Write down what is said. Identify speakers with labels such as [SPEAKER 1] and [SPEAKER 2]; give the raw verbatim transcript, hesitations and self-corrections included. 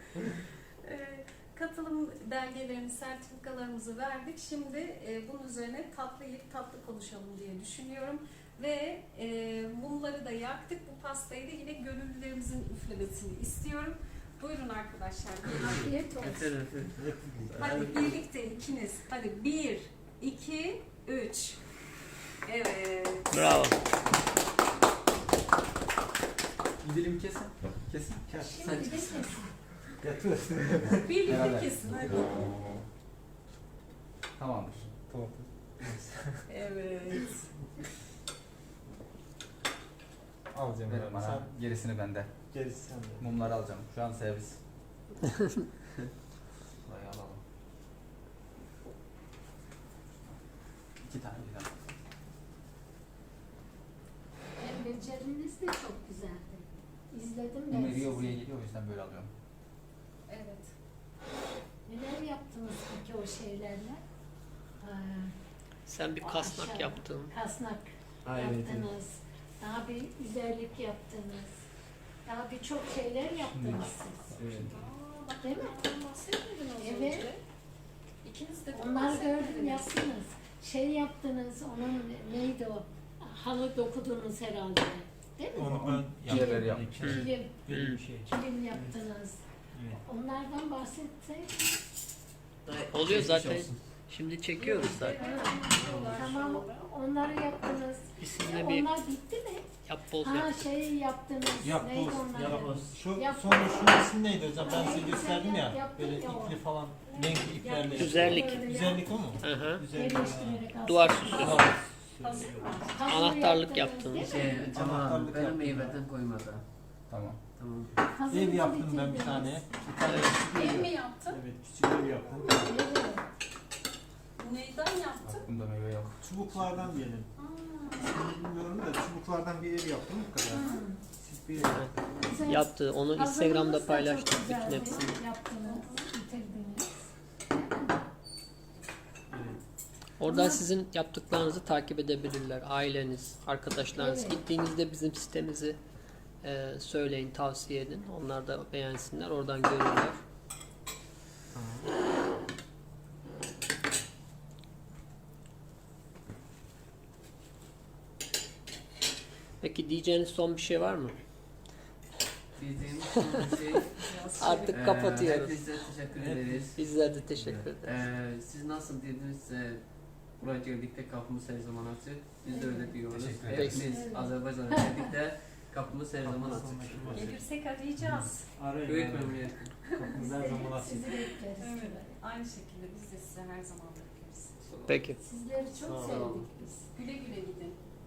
[SPEAKER 1] Ee, katılım belgelerimizi, sertifikalarımızı verdik. Şimdi e, bunun üzerine tatlı yiyip tatlı konuşalım diye düşünüyorum. Ve e, mumları da yaktık. Bu pastayı da yine gönüllülerimizin üflemesini istiyorum. Buyurun arkadaşlar. Afiyet olsun. Hadi birlikte ikiniz. Hadi bir, iki, üç. Evet.
[SPEAKER 2] Bravo.
[SPEAKER 3] Bir dilim kesin. Kesin. Kes.
[SPEAKER 1] Şimdi de
[SPEAKER 3] kesin.
[SPEAKER 1] kesin.
[SPEAKER 3] Yatır.
[SPEAKER 1] Birlikte
[SPEAKER 3] Beraber.
[SPEAKER 1] kesin hadi.
[SPEAKER 3] Tamamdır. Tamam.
[SPEAKER 1] Evet.
[SPEAKER 4] Alacağım
[SPEAKER 3] Verin
[SPEAKER 4] abi.
[SPEAKER 3] bana.
[SPEAKER 4] Sen
[SPEAKER 3] Gerisini bende.
[SPEAKER 4] gerisi sende.
[SPEAKER 3] Mumları alacağım. Şu an servis. Burayı alalım. İki tane birden.
[SPEAKER 5] Hem beceriniz de çok güzeldi. İzledim ben
[SPEAKER 3] Mum eriyor buraya
[SPEAKER 5] sizi.
[SPEAKER 3] geliyor o yüzden böyle alıyorum.
[SPEAKER 1] Evet.
[SPEAKER 5] Neler yaptınız peki o şeylerle? Aa,
[SPEAKER 2] Sen bir
[SPEAKER 5] o
[SPEAKER 2] kasnak
[SPEAKER 5] aşağı-
[SPEAKER 2] yaptın.
[SPEAKER 5] Kasnak
[SPEAKER 4] Ha, evet,
[SPEAKER 5] yaptınız. Daha bir üzerlik yaptınız. Daha birçok şeyler yaptınız siz.
[SPEAKER 4] Evet.
[SPEAKER 1] Aa, bak
[SPEAKER 5] Değil mi?
[SPEAKER 1] bunlardan bahsetmedin az
[SPEAKER 5] Evet.
[SPEAKER 1] önce. İkiniz de
[SPEAKER 5] Onları
[SPEAKER 1] bahsetmediniz.
[SPEAKER 5] gördüm yaptınız. Şey yaptınız, onun neydi o? Halı dokudunuz herhalde. Değil mi?
[SPEAKER 4] Onu ben
[SPEAKER 3] Diğerleri
[SPEAKER 4] yaptım.
[SPEAKER 3] yapmış.
[SPEAKER 2] Hı.
[SPEAKER 5] Kilim,
[SPEAKER 4] Böyle bir şey.
[SPEAKER 5] kilim yaptınız.
[SPEAKER 4] Evet.
[SPEAKER 5] Onlardan bahsetsek.
[SPEAKER 2] Oluyor zaten.
[SPEAKER 4] olsun.
[SPEAKER 2] Şimdi çekiyoruz zaten.
[SPEAKER 5] Tamam, onları yaptınız.
[SPEAKER 2] İsimle bir
[SPEAKER 5] Onlar bitti mi?
[SPEAKER 2] yapboz
[SPEAKER 5] Ha
[SPEAKER 2] yap.
[SPEAKER 5] şey yaptınız.
[SPEAKER 4] Yapboz,
[SPEAKER 5] Neydi onlar?
[SPEAKER 4] yapboz. Şu
[SPEAKER 5] Yap-
[SPEAKER 4] sonra şunun ismi neydi hocam? Ben size
[SPEAKER 5] Neydi,
[SPEAKER 4] gösterdim
[SPEAKER 5] sen
[SPEAKER 4] ya.
[SPEAKER 5] yap- yaptın
[SPEAKER 4] Böyle
[SPEAKER 5] ya o.
[SPEAKER 4] ipli falan. Renkli iplerle.
[SPEAKER 2] Güzellik.
[SPEAKER 5] Böyle
[SPEAKER 4] Güzellik o mu?
[SPEAKER 2] Hı hı.
[SPEAKER 4] Güzellik.
[SPEAKER 5] Yerleştirerek aslında.
[SPEAKER 2] Duvar süsü.
[SPEAKER 4] Tamam.
[SPEAKER 1] Hazır mı?
[SPEAKER 5] Puzzle
[SPEAKER 2] Anahtarlık
[SPEAKER 5] yaptınız,
[SPEAKER 2] yaptınız.
[SPEAKER 5] değil mi?
[SPEAKER 6] Şey, Cemal
[SPEAKER 4] Anahtarlık
[SPEAKER 6] benim
[SPEAKER 4] yaptım.
[SPEAKER 6] meyveden koymadı.
[SPEAKER 3] Tamam.
[SPEAKER 6] Tamam.
[SPEAKER 5] Puzzle'ı
[SPEAKER 4] Ev yaptım ben bir
[SPEAKER 5] bitirdiniz.
[SPEAKER 4] tane. Bir tane küçük
[SPEAKER 1] Ev
[SPEAKER 4] ev.
[SPEAKER 1] mi yaptın?
[SPEAKER 4] Evet, küçük ev yaptım.
[SPEAKER 5] Evet.
[SPEAKER 1] Neyden yaptın?
[SPEAKER 3] Bak bunda meyve yok.
[SPEAKER 4] Çubuklardan diyelim.
[SPEAKER 1] Aa,
[SPEAKER 4] Bilmiyorum da çubuklardan bir ev yaptım bu kadar. Küçük bir ev.
[SPEAKER 5] Güzel.
[SPEAKER 2] Yaptı. Onu
[SPEAKER 5] Puzzle'ınız
[SPEAKER 2] Instagram'da
[SPEAKER 5] da
[SPEAKER 2] paylaştık
[SPEAKER 5] çok
[SPEAKER 2] bütün
[SPEAKER 5] güzeldi.
[SPEAKER 2] hepsini.
[SPEAKER 5] Yaptınız, bitirdiniz.
[SPEAKER 4] Evet.
[SPEAKER 2] Oradan sizin yaptıklarınızı takip edebilirler. Aileniz, arkadaşlarınız.
[SPEAKER 5] Evet.
[SPEAKER 2] Gittiğinizde bizim sitemizi e, söyleyin, tavsiye edin. Onlar da beğensinler. Oradan görürler. Peki diyeceğiniz son bir şey var mı?
[SPEAKER 6] Diyeceğim son bir şey.
[SPEAKER 2] Artık
[SPEAKER 6] Ee,
[SPEAKER 2] kapatıyoruz.
[SPEAKER 6] Hepinize teşekkür ederiz.
[SPEAKER 2] Bizler de teşekkür ederiz.
[SPEAKER 6] Ee, siz nasıl dedinizse buraya geldikte kapımız her zaman açık. Biz de öyle diyoruz.
[SPEAKER 3] Teşekkür ederiz.
[SPEAKER 6] Hepimiz
[SPEAKER 5] Evet.
[SPEAKER 6] Azerbaycan'a geldikte kapımız her zaman açık.
[SPEAKER 1] gelirsek arayacağız.
[SPEAKER 4] Arayın.
[SPEAKER 6] Büyük
[SPEAKER 4] arayın.
[SPEAKER 6] memnuniyet.
[SPEAKER 4] Kapımız her zaman açık.
[SPEAKER 5] Sizi bekleriz.
[SPEAKER 1] Evet. Aynı şekilde biz de size her zaman bekleriz.
[SPEAKER 2] Peki.
[SPEAKER 5] Sizleri çok
[SPEAKER 4] Sağ
[SPEAKER 5] sevdik
[SPEAKER 6] olun.
[SPEAKER 5] biz.
[SPEAKER 1] Güle güle gidin.